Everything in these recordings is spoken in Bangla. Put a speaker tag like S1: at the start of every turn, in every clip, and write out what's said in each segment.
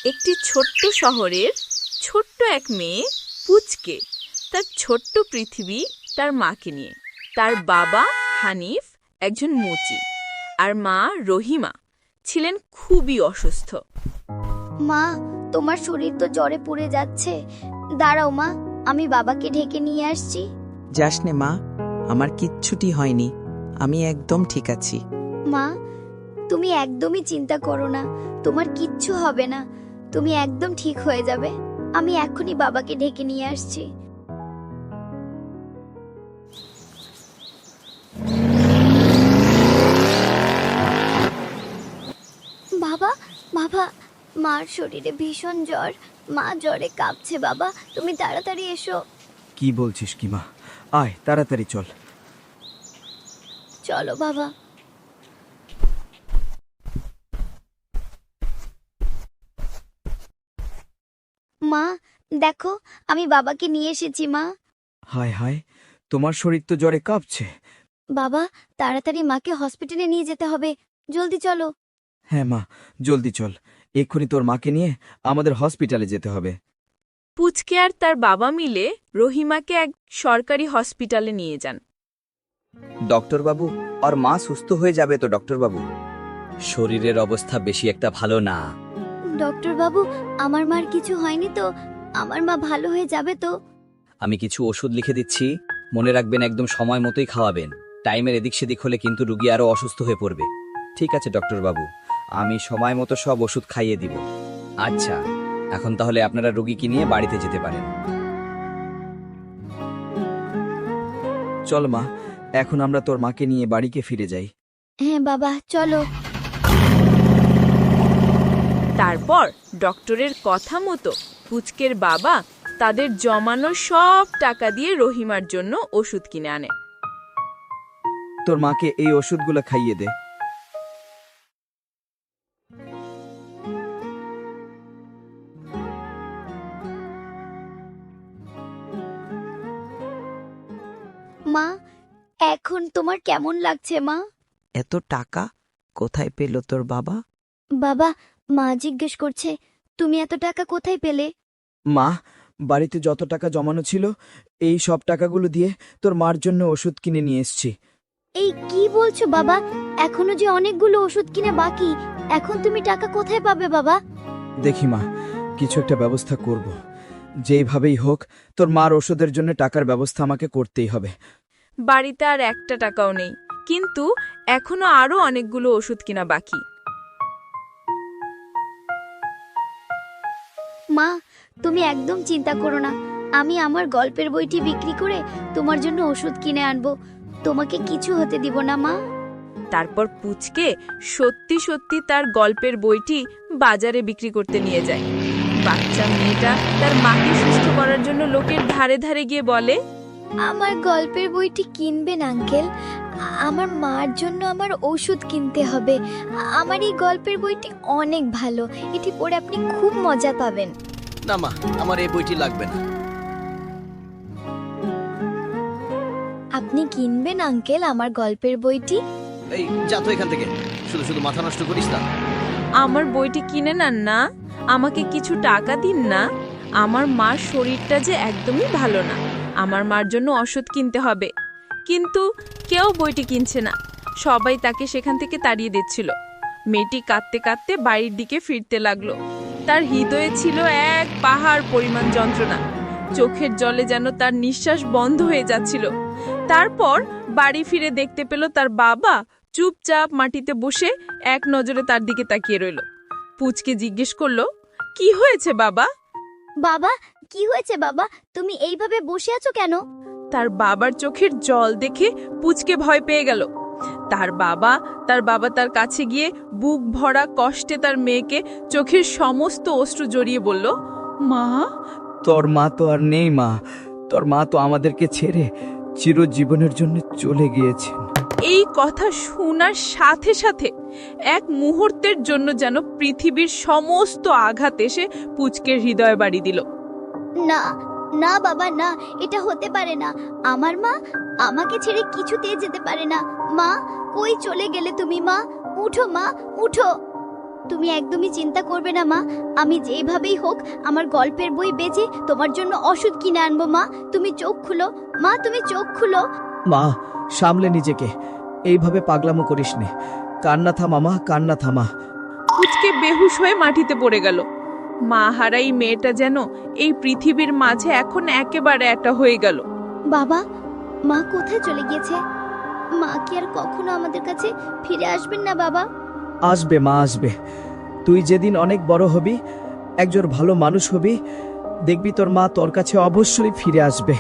S1: একটি ছোট্ট শহরের ছোট্ট এক মেয়ে পুচকে তার ছোট্ট পৃথিবী তার মাকে নিয়ে। তার বাবা হানিফ একজন মুচি আর মা রহিমা ছিলেন খুবই অসুস্থ।
S2: মা, তোমার শরীর তো জ্বরে পুড়ে যাচ্ছে। দাঁড়াও মা, আমি বাবাকে ঢেকে নিয়ে আসছি।
S3: যাস নে মা, আমার কিচ্ছুটি হয়নি, আমি একদম ঠিক আছি।
S2: মা, তুমি একদমই চিন্তা করো না, তোমার কিচ্ছু হবে না, তুমি একদম ঠিক হয়ে যাবে। আমি এখনই বাবাকে ঢেকে নিয়ে আসছি। বাবা, বাবা, মার শরীরে ভীষণ জ্বর, মা জ্বরে কাঁপছে। বাবা, তুমি তাড়াতাড়ি এসো।
S4: কি বলছিস কি মা? আয় তাড়াতাড়ি চল।
S2: চলো বাবা। মা, দেখো, আমি বাবাকে নিয়ে এসেছি। মা,
S4: হায় হায়, তোমার শরীর তো জ্বরে কাঁপছে।
S2: বাবা, তাড়াতাড়ি মাকে হসপিটালে নিয়ে যেতে হবে, জলদি চলো।
S4: হ্যাঁ মা, জলদি চল, এক্ষুনি তোর মাকে নিয়ে আমাদের হসপিটালে যেতে হবে।
S1: পুচকে আর তার বাবা মিলে রহিমাকে এক সরকারি হসপিটালে নিয়ে যান।
S5: ডক্টর বাবু, আর মা সুস্থ হয়ে যাবে তো ডক্টর বাবু?
S6: শরীরের অবস্থা বেশি একটা ভালো না।
S2: ডক্টর বাবু, আমার মার কিছু হয়নি তো? আমার মা ভালো হয়ে যাবে তো?
S6: আমি কিছু ওষুধ লিখে দিচ্ছি, মনে রাখবেন একদম সময় মতোই খাওয়াবেন। টাইমের এদিক সেদিক হলে কিন্তু রুগী আরো অসুস্থ হয়ে পড়বে।
S5: ঠিক আছে ডক্টর বাবু, আমি সময় মতো সব ওষুধ খাইয়ে দিব।
S6: আচ্ছা, এখন তাহলে আপনারা রুগীকে নিয়ে বাড়িতে যেতে পারেন।
S4: চল মা, এখন আমরা তোর মাকে নিয়ে বাড়িকে ফিরে যাই।
S2: হ্যাঁ বাবা, চলো।
S1: তারপর ডক্টরের কথা মতো পুচকের বাবা তাদের জমানো সব টাকা দিয়ে রহিমার জন্য ওষুধ কিনে আনে।
S4: তোর মাকে এই ওষুধগুলো খাইয়ে দে।
S2: মা, এখন তোমার কেমন লাগছে মা?
S3: এত টাকা কোথায় পেল তোর বাবা?
S2: বাবা, মা জিজ্ঞেস করছে তুমি এত টাকা কোথায় পেলে?
S4: মা, বাড়িতে যত টাকা জমানো ছিল এই সব টাকাগুলো দিয়ে তোর মার জন্য ওষুধ কিনে নিয়ে এসেছি।
S2: এই কি বলছো বাবা? এখনো যে অনেকগুলো ওষুধ কিনে বাকি, এখন তুমি টাকা কোথায় পাবে বাবা?
S4: দেখি মা, কিছু একটা ব্যবস্থা করব। যেইভাবেই হোক তোর মার ওষুধের জন্য টাকার ব্যবস্থা আমাকে করতেই হবে।
S1: বাড়িতে আর একটা টাকাও নেই, কিন্তু এখনো আরো অনেকগুলো ওষুধ কিনা বাকি।
S2: মা, তুমি একদম চিন্তা করো না, আমি আমার গল্পের বইটি বিক্রি করে তোমার জন্য ওষুধ কিনে আনবো। তোমাকে কিছু হতে দিব না মা।
S1: তারপর পুচকে সত্যি সত্যি তার গল্পের বইটি বাজারে বিক্রি করতে নিয়ে যায়। বাচ্চা মেয়েটা তার মাকে সুস্থ করার জন্য লোকের ধারে ধারে গিয়ে বলে,
S2: আমার গল্পের বইটি কিনবেন আঙ্কেল? আমার মার জন্য আমার ওষুধ কিনতে হবে। আমার এই গল্পের বইটি অনেক ভালো, এটি পড়ে আপনি খুব মজা পাবেন।
S6: না মা, আমার এই বইটি লাগবে না।
S2: আপনি কিনবেন আঙ্কেল আমার গল্পের বইটি?
S6: এই যা তো এখান থেকে, শুধু শুধু মাথা নষ্ট করিস না।
S1: আমার বইটি কিনে নেন না, আমাকে কিছু টাকা দিন না। আমার মার শরীরটা যে একদমই ভালো না, আমার মার জন্য ওষুধ কিনতে হবে। কিন্তু কেউ বইটি কিনছে না, সবাই তাকে সেখান থেকে তাড়িয়ে দিচ্ছিল। মেয়েটি কাঁদতে কাঁদতে বাড়ির দিকে ফিরতে লাগলো। তার হৃদয়ে ছিল এক পাহাড় পরিমাণ যন্ত্রণা, চোখের জলে যেন তার নিঃশ্বাস বন্ধ হয়ে যাচ্ছিল। তারপর বাড়ি ফিরে দেখতে পেল তার বাবা চুপচাপ মাটিতে বসে এক নজরে তার দিকে তাকিয়ে রইল। পুচকে জিজ্ঞেস করলো, কি হয়েছে বাবা?
S2: বাবা, কি হয়েছে বাবা? তুমি এইভাবে বসে আছো কেন?
S1: তার বাবার চোখের জল দেখে পুচকে ভয় পেয়ে গেল। তার বাবা তার কাছে গিয়ে বুক ভরা কষ্টে তার মেয়েকে চোখের সমস্ত অশ্রু জড়িয়ে বলল, মা।
S4: তোর মা তো আর নেই মা, তোর মা তো আমাদেরকে ছেড়ে চিরজীবনের জন্য চলে গিয়েছেন।
S1: এই কথা শোনার সাথে সাথে এক মুহূর্তের জন্য যেন পৃথিবীর সমস্ত আঘাত এসে পুচকের হৃদয়ে বাড়ি দিল।
S2: না না বাবা, না, এটা হতে পারে না। আমার মা আমাকে ছেড়ে কিছুতেই যেতে পারে না। মা, কই চলে গেলে তুমি? মা, উঠো মা, উঠো। তুমি একদমই চিন্তা করবে না মা, আমি যেভাবেই হোক আমার গল্পের বই বেচে তোমার জন্য ওষুধ কিনে আনবো মা। তুমি চোখ খুলো মা, তুমি চোখ খুলো।
S4: মা, সামলে নিজেকে, এইভাবে পাগলামো করিস নে। কান্না থামা মা, কান্না থামা।
S1: পুচকে বেহুশ হয়ে মাটিতে পড়ে গেল। মা হারাই মেয়েটা যেন এই পৃথিবীর মাঝে এখন একেবারে একটা হয়ে গেল।
S2: বাবা, মা কোথায় চলে গিয়েছে? মা কি আর কখনো আমাদের কাছে ফিরে আসবেন না বাবা?
S4: আসবে মা, আসবে। তুই যেদিন অনেক বড় হবি, একজন ভালো মানুষ হবি, দেখবি তোর মা তোর কাছে অবশ্যই ফিরে আসবে।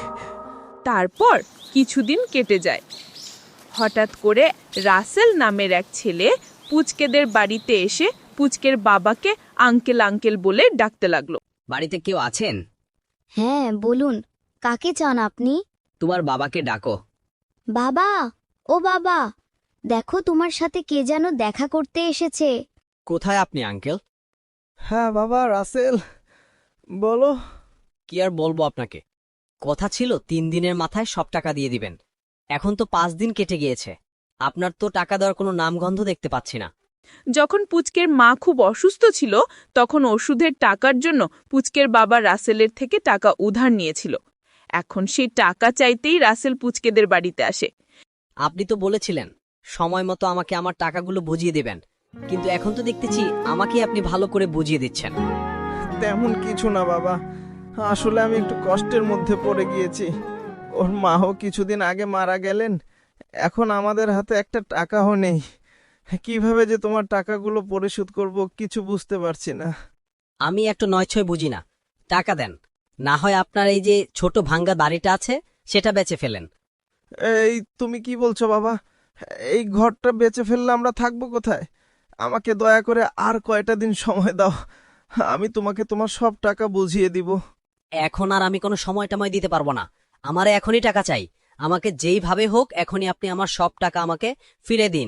S1: তারপর কিছুদিন কেটে যায়। হঠাৎ করে রাসেল নামের এক ছেলে পুচকেদের বাড়িতে এসে পুচকের বাবাকে আঙ্কেল আঙ্কেল বলে ডাকতে লাগলো।
S6: বাড়িতে কেউ আছেন?
S2: হ্যাঁ বলুন, কাকে চান আপনি?
S6: তোমার বাবাকে ডাকো।
S2: বাবা, ও বাবা, দেখো তোমার সাথে কে যেন দেখা করতে এসেছে।
S6: কোথায় আপনি আঙ্কেল?
S4: হ্যাঁ বাবা, রাসেল, বলো।
S7: কি আর বলবো আপনাকে, কথা ছিল 3 দিনের মাথায় সব টাকা দিয়ে দিবেন। এখন তো 5 দিন কেটে গিয়েছে, আপনার তো টাকা দেওয়ার কোনো নামগন্ধ দেখতে পাচ্ছি না।
S1: যখন পুচকের মা খুব অসুস্থ ছিল তখন ওষুধের টাকার জন্য পুচকের বাবা রাসেলের থেকে টাকা উধার নিয়েছিল। এখন সেই টাকা চাইতেই রাসেল পুচকেদের বাড়িতে আসে।
S7: আপনি তো বলেছিলেন সময় মতো আমাকে আমার টাকাগুলো বুঝিয়ে দেবেন, কিন্তু এখন তো দেখতেছি আমাকে আপনি ভালো করে বুঝিয়ে দিচ্ছেন।
S8: তেমন কিছু না বাবা, আসলে আমি একটু কষ্টের মধ্যে পড়ে গিয়েছি। ওর মাও কিছুদিন আগে মারা গেলেন, এখন আমাদের হাতে একটা টাকাও নেই। কিভাবে যে তোমার টাকাগুলো পরিশোধ করব কিছু বুঝতে পারছি না।
S7: আমি একটু নয়ছয় বুঝি না, টাকা দেন, না হয় আপনার এই যে ছোট ভাঙ্গা বাড়িটা আছে সেটা বেচে ফেলেন।
S8: এই তুমি কি বলছো বাবা? এই ঘরটা বেচে ফেললে আমরা থাকবো কোথায়? আমাকে দয়া করে আর কয়টা দিন সময় দাও, আমি তোমাকে তোমার সব টাকা বুঝিয়ে দিব।
S7: এখন আর আমি কোনো সময় টময় দিতে পারবো না, আমার এখনই টাকা চাই। আমাকে যেইভাবে হোক এখনই আপনি আমার সব টাকা আমাকে ফিরে দিন।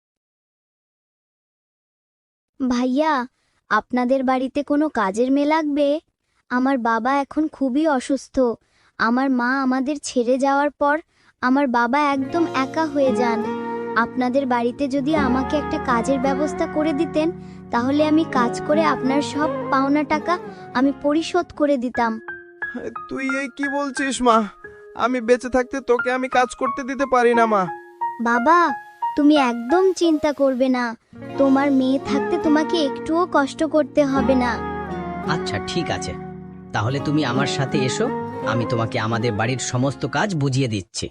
S2: ভাইয়া, আপনাদের বাড়িতে কোনো কাজের মেয়ে লাগবে? আমার বাবা এখন খুবই অসুস্থ। আমার মা আমাদের ছেড়ে যাওয়ার পর আমার বাবা একদম একা হয়ে যান। আপনাদের বাড়িতে যদি আমাকে একটা কাজের ব্যবস্থা করে দিতেন, তাহলে আমি কাজ করে আপনার সব পাওনা টাকা আমি পরিশোধ করে দিতাম।
S8: তুই এই কি বলছিস মা? আমি বেঁচে থাকতে তোকে আমি কাজ করতে দিতে পারি না মা।
S2: বাবা, তুমি একদম চিন্তা করবে না, তোমার মেয়ে থাকতে তোমাকে একটুও কষ্ট করতে হবে না।
S7: আচ্ছা ঠিক আছে, তাহলে তুমি আমার সাথে এসো, আমি তোমাকে আমাদের বাড়ির সমস্ত কাজ বুঝিয়ে দিচ্ছি।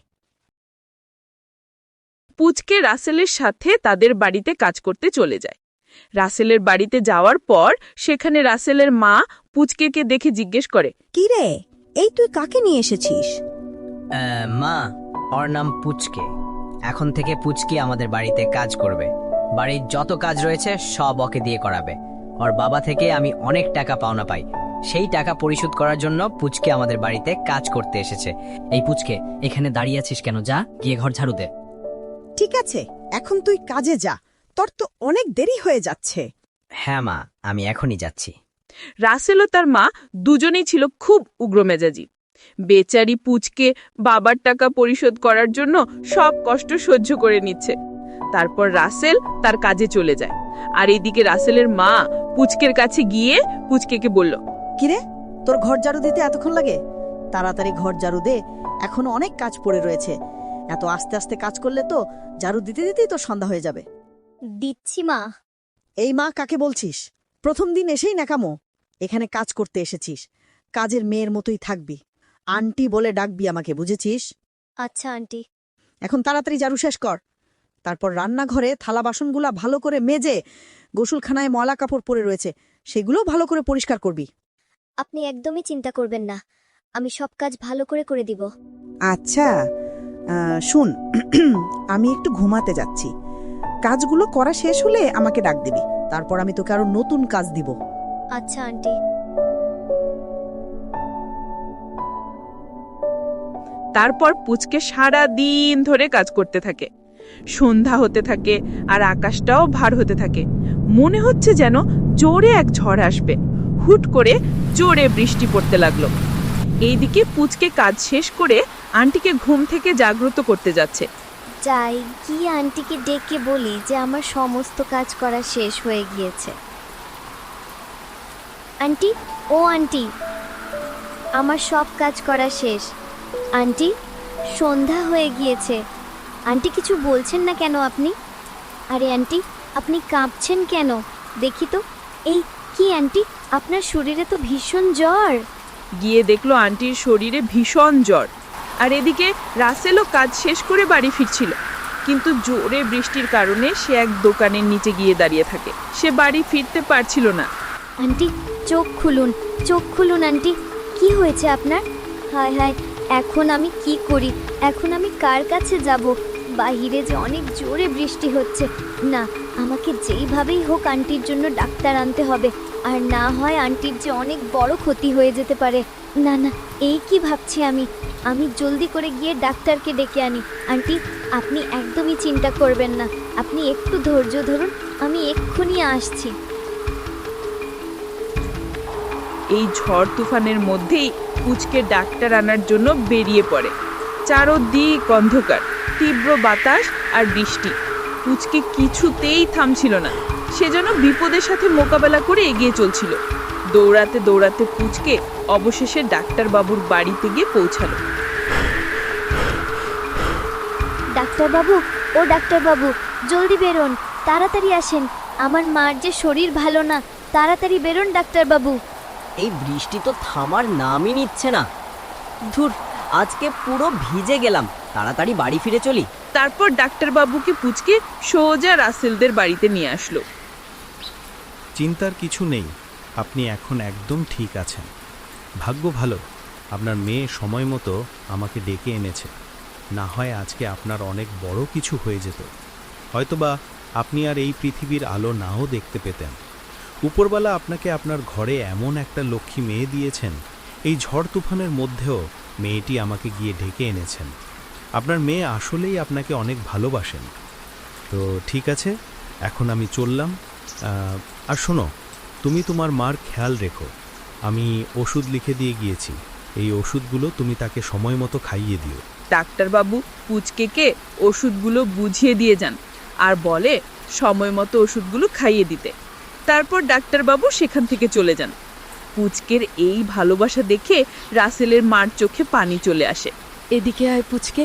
S1: পুচকে রাসেলের সাথে তাদের বাড়িতে কাজ করতে চলে যায়। রাসেলের বাড়িতে যাওয়ার পর সেখানে রাসেলের মা পুচকেকে দেখে জিজ্ঞেস করে,
S9: কি রে, এই তুই কাকে নিয়ে এসেছিস?
S7: মা, ওর নাম পুচকে। এখন থেকে পুচকে আমাদের বাড়িতে কাজ করবে। বাড়ির যত কাজ রয়েছে সব ওকে দিয়ে করাবে। ওর বাবা থেকে আমি অনেক টাকা পাওনা পাই, সেই টাকা পরিশোধ করার জন্য পুচকে আমাদের বাড়িতে কাজ করতে এসেছে। এই পুচকে, এখানে দাঁড়িয়ে আছিস কেন? যা গিয়ে ঘর ঝাড়ু দে।
S9: ঠিক আছে, এখন তুই কাজে যা, তোর তো অনেক দেরি হয়ে যাচ্ছে।
S7: হ্যাঁ মা, আমি এখনই যাচ্ছি।
S1: রাসেল ও তার মা দুজনেই ছিল খুব উগ্রমেজাজি। বেচারি পুচকে বাবার টাকা পরিশোধ করার জন্য সব কষ্ট সহ্য করে নিচ্ছে। তারপর রাসেল তার কাজে চলে যায়। আর এইদিকে রাসেলের মা পুচকের কাছে গিয়ে পুচকেকে বলল,
S9: কিরে, তোর ঘর ঝাড়ু দিতে এতক্ষণ লাগে? তাড়াতাড়ি ঘর ঝাড়ু দে, এখনো অনেক কাজ পড়ে রয়েছে। এত আস্তে আস্তে কাজ করলে তো ঝাড়ু দিতে দিতেই তো সন্ধ্যা হয়ে যাবে।
S2: দিচ্ছি মা।
S9: এই মা কাকে বলছিস? প্রথম দিন এসেই নাকামো। এখানে কাজ করতে এসেছিস, কাজের মেয়ের মতোই থাকবি। আন্টি বলে ডাকবি আমাকে, বুঝেছিস?
S2: আচ্ছা আন্টি।
S9: এখন তাড়াতাড়ি ঝাড়ু শেষ কর, তারপর রান্নাঘরে থালা বাসনগুলা ভালো করে মেজে, গোসলখানায় ময়লা কাপড় পরে রয়েছে সেগুলো ভালো করে পরিষ্কার করবি।
S2: আপনি একদমই চিন্তা করবেন না, আমি সব কাজ ভালো করে করে দিব।
S9: আচ্ছা শুন, আমি একটু ঘুমাতে যাচ্ছি, কাজগুলো করা শেষ হলে আমাকে ডাক দিবি, তারপর আমি তোকে আরো নতুন কাজ দিব।
S2: আচ্ছা আন্টি।
S1: তারপর পুচকে সারা দিন ধরে কাজ করতে থাকে। সন্ধ্যা হতে থাকে আর আকাশটাও ভার হতে থাকে। মনে হচ্ছে যেন জোরে এক ঝড় আসবে। হুট করে জোরে বৃষ্টি পড়তে লাগলো। এইদিকে পুচকে কাজ শেষ করে আন্টিকে ঘুম থেকে জাগ্রত করতে যাচ্ছে।
S2: যাই গিয়ে আন্টিকে ডেকে বলি যে আমার সমস্ত কাজ করা শেষ হয়ে গিয়েছে। আন্টি, ও আন্টি, আমার সব কাজ করা শেষ। আন্টি, সন্ধ্যা হয়ে গিয়েছে। আন্টি, কিছু বলছেন না কেন আপনি? আরে আন্টি, আপনি কাঁপছেন কেন? দেখি তো। এই কি আন্টি, আপনার শরীরে তো ভীষণ জ্বর।
S1: গিয়ে দেখলো আন্টির শরীরে ভীষণ জ্বর। আর এদিকে রাসেলও কাজ শেষ করে বাড়ি ফিরছিল, কিন্তু জোরে বৃষ্টির কারণে সে এক দোকানের নিচে গিয়ে দাঁড়িয়ে থাকে। সে বাড়ি ফিরতে পারছিল না।
S2: আন্টি, চোখ খুলুন, চোখ খুলুন আন্টি। কি হয়েছে আপনার? হায় হায়, এখন আমি কি করি? এখন আমি কার কাছে যাব? বাহিরে যে অনেক জোরে বৃষ্টি হচ্ছে। না, আমাকে যেইভাবেই হোক আন্টির জন্য ডাক্তার আনতে হবে, আর না হয় আন্টির যে অনেক বড় ক্ষতি হয়ে যেতে পারে। না না, এই কি ভাবছি আমি? আমি জলদি করে গিয়ে ডাক্তারকে ডেকে আনি। আন্টি, আপনি একদমই চিন্তা করবেন না, আপনি একটু ধৈর্য ধরুন, আমি এক্ষুনি আসছি।
S1: এই ঝড় তুফানের মধ্যেই পুচকে ডাক্তার আনার জন্য বেরিয়ে পড়ে। চারদিক অন্ধকার, তীব্র বাতাস আর বৃষ্টি। পুচকে কিছুতেই থামছিল না, সে যেন বিপদের সাথে মোকাবেলা করে এগিয়ে চলছিল। দৌড়াতে দৌড়াতে পুচকে অবশেষে ডাক্তারবাবুর বাড়িতে গিয়ে পৌঁছালো।
S2: ডাক্তারবাবু, ও ডাক্তারবাবু, জলদি বেরোন, তাড়াতাড়ি আসেন। আমার মার যে শরীর ভালো না, তাড়াতাড়ি বেরোন ডাক্তারবাবু।
S7: এই বৃষ্টি তো থামার নামই নিচ্ছে না। ধুর, আজকে পুরো ভিজে গেলাম। তাড়াতাড়ি বাড়ি ফিরে চলি।
S1: তারপর ডাক্তারবাবুকে পুচকে সোজা রাসেলদের বাড়িতে নিয়ে আসলো।
S10: চিন্তার কিছু নেই, আপনি এখন একদম ঠিক আছেন। ভাগ্য ভালো, আপনার মেয়ে সময় মতো আমাকে ডেকে এনেছে। না হয় আজকে আপনার অনেক বড় কিছু হয়ে যেত। হয়তোবা আপনি আর এই পৃথিবীর আলো নাও দেখতে পেতেন। উপরওয়ালা আপনাকে আপনার ঘরে এমন একটা লক্ষ্মী মেয়ে দিয়েছেন, এই ঝড় তুফানের মধ্যেও মেয়েটি আমাকে গিয়ে ডেকে এনেছেন। আপনার মেয়ে আসলেই আপনাকে অনেক ভালোবাসেন। তো ঠিক আছে, এখন আমি চললাম। আর শোনো, তুমি তোমার মার খেয়াল রেখো। আমি ওষুধ লিখে দিয়ে গিয়েছি, এই ওষুধগুলো তুমি তাকে সময় মতো খাইয়ে দিও।
S1: ডাক্তারবাবু পুচকেকে ওষুধগুলো বুঝিয়ে দিয়ে যান আর বলে সময় মতো ওষুধগুলো খাইয়ে দিতে। তারপর ডাক্তারবাবু সেখান থেকে চলে যান। পুচকের এই ভালোবাসা দেখে রাসেলের মার চোখে পানি চলে আসে।
S11: এদিকে আয় পুচকে,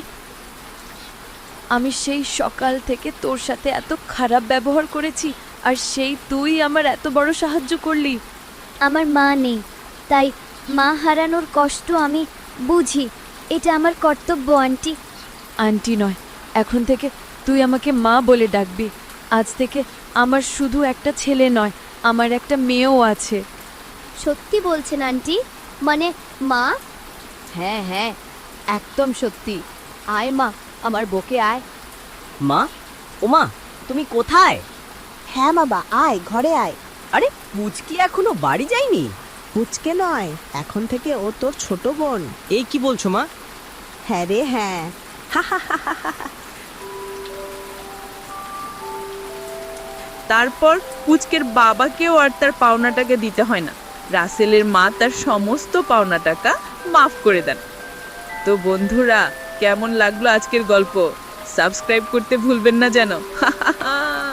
S11: আমি সেই সকাল থেকে তোর সাথে এত খারাপ ব্যবহার করেছি, আর সেই তুই আমার এত বড় সাহায্য করলি।
S2: আমার মা নেই, তাই মা হারানোর কষ্ট আমি বুঝি। এটা আমার কর্তব্য আন্টি।
S11: আন্টি নয়, এখন থেকে তুই আমাকে মা বলে ডাকবি। আজ থেকে আমার শুধু একটা ছেলে নয়, আমার একটা মেয়েও আছে।
S2: সত্যি বলছেন আন্টি? মানে মা?
S11: হ্যাঁ হ্যাঁ, একদম সত্যি। আয় মা, আমার বকে আয়।
S7: মা, ও মা, তুমি কোথায়?
S9: হ্যাঁ বাবা, আয় ঘরে আয়।
S7: আরে পুচকি এখনো বাড়ি যায়নি?
S9: পুচকে নয়, এখন থেকে ও তোর ছোট বোন।
S7: এই কি বলছো মা?
S9: হ্যাঁ রে হ্যাঁ।
S1: তারপর পুচকের বাবাকেও আর তার পাওনা টাকা দিতে হয় না। রাসেলের মা তার সমস্ত পাওনা টাকা মাফ করে দেন। তো বন্ধুরা, কেমন লাগলো আজকের গল্প? সাবস্ক্রাইব করতে ভুলবেন না যেন।